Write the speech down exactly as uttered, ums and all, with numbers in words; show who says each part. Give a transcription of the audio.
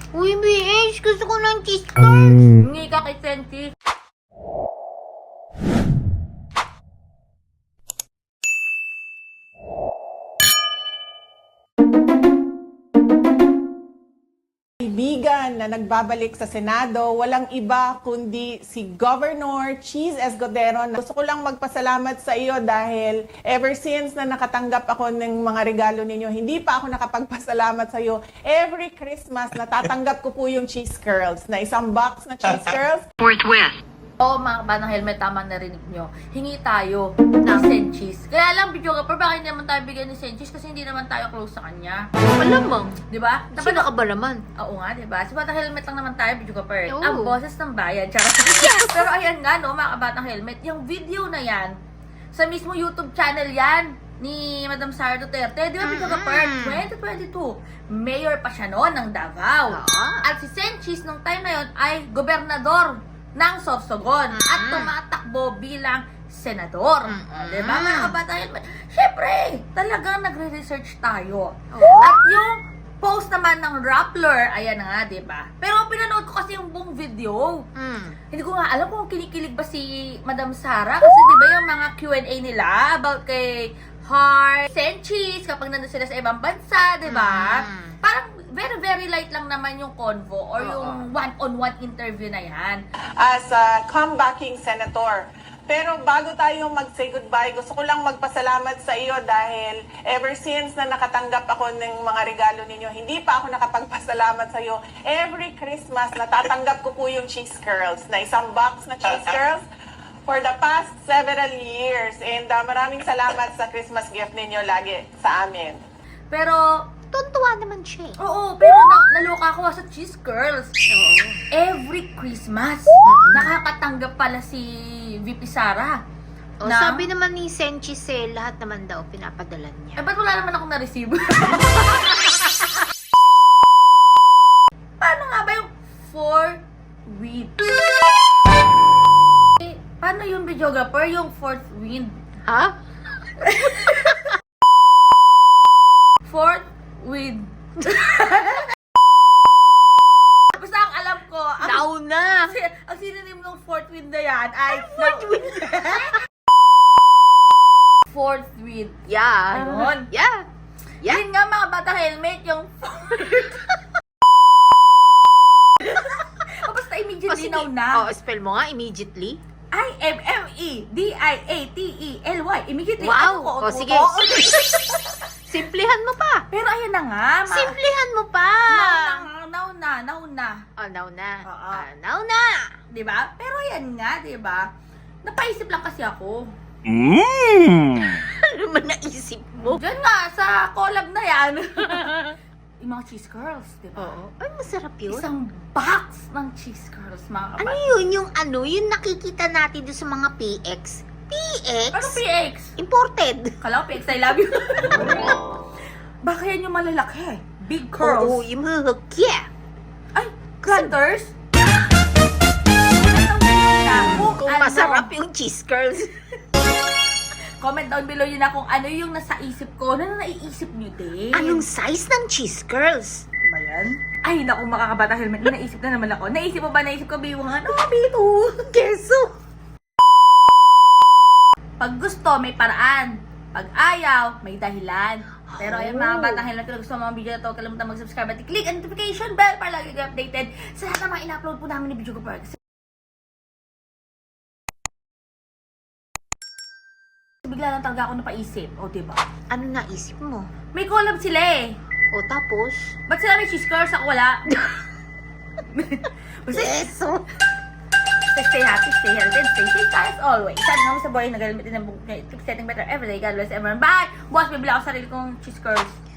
Speaker 1: Uy, B H, gusto ko ng cheese curls.
Speaker 2: Hingi ka kay Senti.
Speaker 3: Kaibigan na nagbabalik sa Senado, walang iba kundi si Governor Cheese Escudero. Gusto ko lang magpasalamat sa iyo dahil ever since na nakatanggap ako ng mga regalo ninyo, hindi pa ako nakapagpasalamat sa iyo. Every Christmas, natatanggap ko po yung cheese curls, na isang box na cheese curls.
Speaker 4: Forthwith.
Speaker 2: Oo, mga kabatang helmet, tama narinig nyo. Hingi tayo ng Senchis. Kaya lang, video ka, pero bakit hindi naman tayo bigyan ni Senchis? Kasi hindi naman tayo close sa kanya.
Speaker 1: Malamang.
Speaker 2: Di ba?
Speaker 1: Sino ka ba naman?
Speaker 2: Oo nga, di ba? Sa Batang Helmet lang naman tayo, video ka per.
Speaker 1: Oo.
Speaker 2: Ang boses ng bayan. Charot. Pero ayan nga, no, mga kabatang helmet, yung video na yan, sa mismo YouTube channel yan, ni Madam Sara Duterte. Di ba, video ka per? twenty twenty-two. Mayor pa siya noon ng Davao.
Speaker 1: Ah.
Speaker 2: At si Senchis, nung time na yon ay gobernador ng Sorsogon at tumatakbo bilang senador.
Speaker 1: Mm-mm.
Speaker 2: Diba, mga kabatang helmet? Siyempre, talagang nagre-research tayo.
Speaker 1: Oo.
Speaker 2: At yung post naman ng Rappler, ayan na nga, diba? Pero pinanood ko kasi yung buong video.
Speaker 1: Mm.
Speaker 2: Hindi ko nga alam kung kinikilig ba si Madam Sara. Kasi diba yung mga Q and A nila about kay Heart, Senchis, kapag nandun sila sa ibang bansa, diba?
Speaker 1: Mm.
Speaker 2: Parang very, very light lang naman yung convo or yung one-on-one interview na yan.
Speaker 3: As a comebacking senator. Pero bago tayo mag-say goodbye, gusto ko lang magpasalamat sa iyo dahil ever since na nakatanggap ako ng mga regalo ninyo, hindi pa ako nakapagpasalamat sa iyo. Every Christmas, natatanggap ko po yung cheese curls, na isang box na cheese curls for the past several years. And uh, maraming salamat sa Christmas gift ninyo lagi sa amin.
Speaker 2: Pero,
Speaker 1: Tuntua naman siya eh.
Speaker 2: oo, pero na- naloka ako sa cheese curls.
Speaker 1: Oo.
Speaker 2: Every Christmas, nakakatanggap pala si V P Sara.
Speaker 1: O,
Speaker 2: Na-
Speaker 1: sabi naman ni Senchis eh, lahat naman daw pinapadalan
Speaker 2: Eh,
Speaker 1: niya.
Speaker 2: ba't wala naman akong na-receive? Paano nga ba yung fourth wind? Eh, paano yung videographer, yung fourth wind?
Speaker 1: Ha?
Speaker 2: Fourth wind. Basta ang alam ko, ang,
Speaker 1: Nauna!
Speaker 2: kasi, ang synonym ng fourth wind na yan ay
Speaker 1: Fourth wind?
Speaker 2: fourth wind.
Speaker 1: Yeah.
Speaker 2: Ayun.
Speaker 1: Yeah. Yeah.
Speaker 2: Yun nga mga bata helmet, yung o basta immediately now na.
Speaker 1: Oh, spell mo nga immediately.
Speaker 2: I M M E D I A T E L Y. Immediately.
Speaker 1: Wow.
Speaker 2: Ano ko,
Speaker 1: O,
Speaker 2: ano
Speaker 1: sige.
Speaker 2: ko?
Speaker 1: Simplihan mo pa.
Speaker 2: Pero ayan na nga. Ma-
Speaker 1: Simplihan mo pa.
Speaker 2: Now na, now na, now na.
Speaker 1: Oh, now na.
Speaker 2: Oo.
Speaker 1: Ah, now na.
Speaker 2: Diba? Pero ayan nga, diba? Napaisip lang kasi ako.
Speaker 1: Ano man naisip mo?
Speaker 2: Diyan nga, sa collab na yan. Yung mga cheese curls, diba?
Speaker 1: Oo. Ay, masarap yun.
Speaker 2: Isang box ng cheese curls, mga
Speaker 1: Ano
Speaker 2: kapatid.
Speaker 1: yun? Yung ano? Yung nakikita natin doon sa mga P X? P X?
Speaker 2: Ano P X?
Speaker 1: Imported.
Speaker 2: Kala ko P X, I love you. Baka yan yung malalaki. Big curls.
Speaker 1: Oo, yung mga yeah.
Speaker 2: Ay, granters?
Speaker 1: Kung masarap yung cheese curls.
Speaker 2: Comment down below yun na kung ano yung nasa isip ko. Ano na naiisip nyo din?
Speaker 1: Anong size ng cheese curls?
Speaker 2: ba yan? Ay, naku, makakabata helmet. May naisip na naman ako. Naisip mo ba? Naisip ko, biwangan. Oh, bito.
Speaker 1: Keso.
Speaker 2: Pag gusto, may paraan. Pag ayaw, may dahilan. Pero ayun mga
Speaker 1: Oh.
Speaker 2: batang helmet, kung gusto mo mga video na to, kalimutan mag-subscribe at i-click ang notification bell para lagi kayo updated sa lahat ng mga in-upload po namin ni Video Ko Park. Bigla lang talaga ako napaisip. O, diba?
Speaker 1: Ano naisip mo?
Speaker 2: May collab sila eh.
Speaker 1: O tapos?
Speaker 2: Ba't sila may cheese curls? Ako wala. Basta,
Speaker 1: Keso.
Speaker 2: stay happy, stay healthy, and stay safe as always. Sabi nga sa boy, nagalimit din ng book niya. Keep setting better every day. God bless everyone. Bye! Boss, bibili ako sarili kong cheese curls.